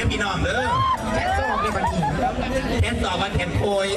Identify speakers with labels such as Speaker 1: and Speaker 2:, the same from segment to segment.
Speaker 1: พี่น้องเด้อแค่สอบในบันทีแค่สอบวันแทนโพย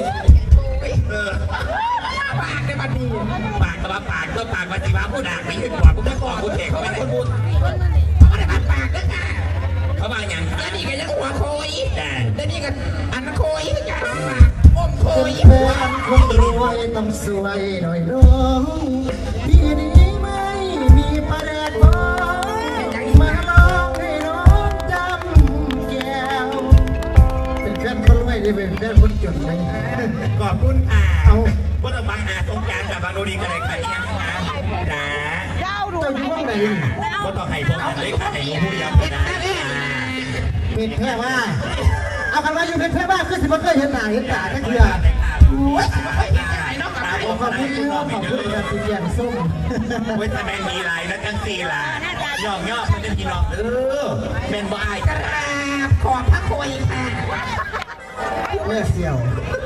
Speaker 1: ปากในบันทีปากกับปากก็ปากวันที่ว่าผู้ด่าไม่ขึ้นกว่าผู้ไม่กอผู้เทเขาไม่ได้พูดเขาไม่ได้ปากปากนะค่ะเขาว่าอย่างแล้วนี่ก็ยังหัวโคยแล้วนี่ก็อันโคยก็จะปากอมโคยหัว
Speaker 2: คนรวยต้องสวยหน่อยน้องที่นี้ไม่มีประเด็นบอยมาลองให้น้องจำแก้วเป็นแฟนคนรวยดีเป็นแฟนคนจนไหม
Speaker 1: ขอบคุณเอาว่าเราบางอาสงการกับบางโนดีกันเลยใครยังนะจ้า
Speaker 2: เจ้าอยู่ห้องไหน
Speaker 1: ว่าต้องให้พวกกันเลยค่ะให้ผู้ยังนะ
Speaker 2: เป็นแค่ว่าเอากันว่าอยู่เป็นแค่ว่าคือสิบเคยเห็นหน้าเห็นตาแค่เดียวขอบคุณขอบคุณกับสีแดงส้ม
Speaker 1: เว้ยแต่แมงมีลายนะจังสีลายย่องย่อมันจะกินหรอกเป็นบ่ายกราบขอบพระคุยค่ะ
Speaker 2: เลือดเสี่ยว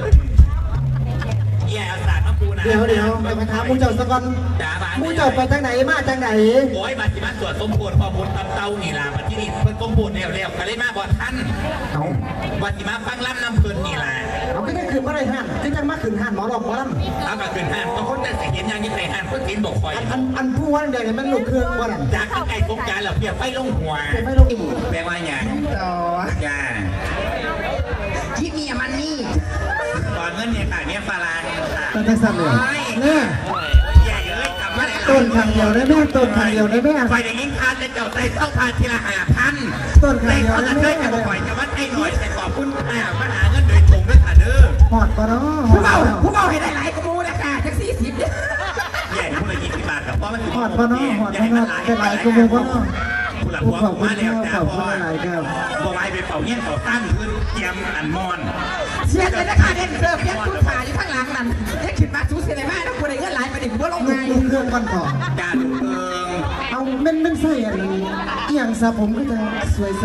Speaker 1: แย่ศาสตร์มาปูนะ
Speaker 2: เดี๋ยวไปถามมูเจ้าสักวันมูเจ้าไปทางไหนมาทางไหน
Speaker 1: โอ้ยบัตรที่มาตรวจสมบูรณ์ข้อมูลตำเต้านี่ล่ะบัตรที่นี่เพิ่นสมบูรณ์เร็วๆกันเลยมาบอดท่านบัตรที่มาฟังล่ำน้ำเพลินนี่ล่ะ
Speaker 2: เอาไม่ได้ขึ้นมาได้ห้านที่จะมาขึ้นห้านหมอรอบหมอลำ
Speaker 1: เอาก็ขึ้นห้านบางคนแต่เห็นอย่างนี้ใครห้านเพิ่งกินบอกคอย
Speaker 2: อันผู้วันเดียวเนี่ยมันลูกเครื่องว่า
Speaker 1: จากไก่ตกใจเหรอเพียบไฟลงหัว
Speaker 2: ไฟลงอีก
Speaker 1: แปลว่าอย่าง
Speaker 2: ต่อ
Speaker 1: จ้า
Speaker 2: ที่นี่มันนี่
Speaker 1: ตอนเงินเนี่ยค่ะเนี่ยฟาลาเนี่ยค่ะ
Speaker 2: ต้นทั้งสั้นเลยเนี่ย
Speaker 1: ใหญ่เลยกลับมาเลย
Speaker 2: ต้นทางเดียวได้แม่ต้นทางเดียวได้แม่
Speaker 1: ไฟอย่างนี้ทานจะเจ้าใจต้องทานทีละ5,000
Speaker 2: ต้นทางเดียวได้
Speaker 1: แม่จะปล่อยจะวัดให้หน่อยแต่ขอบคุณค่ะมาหาเงินโดยตรงด้วยค่ะเด้อ
Speaker 2: หอดปะเนาะ
Speaker 1: ผู้เบาให้ได้หลายกมูนะค่ะแท็กซี่10เนี่ยใหญ่ผู้ละ20 บาทกับเพราะมัน
Speaker 2: หอดปะเนาะหอดปะเนาะเป็นหลายกมูปะเนาะ
Speaker 1: ผู้หลักหัวมาแล้วจ้าพ่อบัวไม้ไปเป่าเงี้ยเป่าตั้งขึ้นเตรียมอันมอน
Speaker 3: เสียเลยนะคะเด็กเสิร์ฟยังคุณขาอยู่ข้างหลังนั่นเด็กขึ้นมาชูเสียเลยมากนะคุณได้เงินหลายประเด็นว่าลงไง
Speaker 2: ลูกเครื่องก่อนก่อน
Speaker 1: การลูกเครื่อง
Speaker 2: เอาเม่นใส่อะไรอย่างซะผมก็จะสวย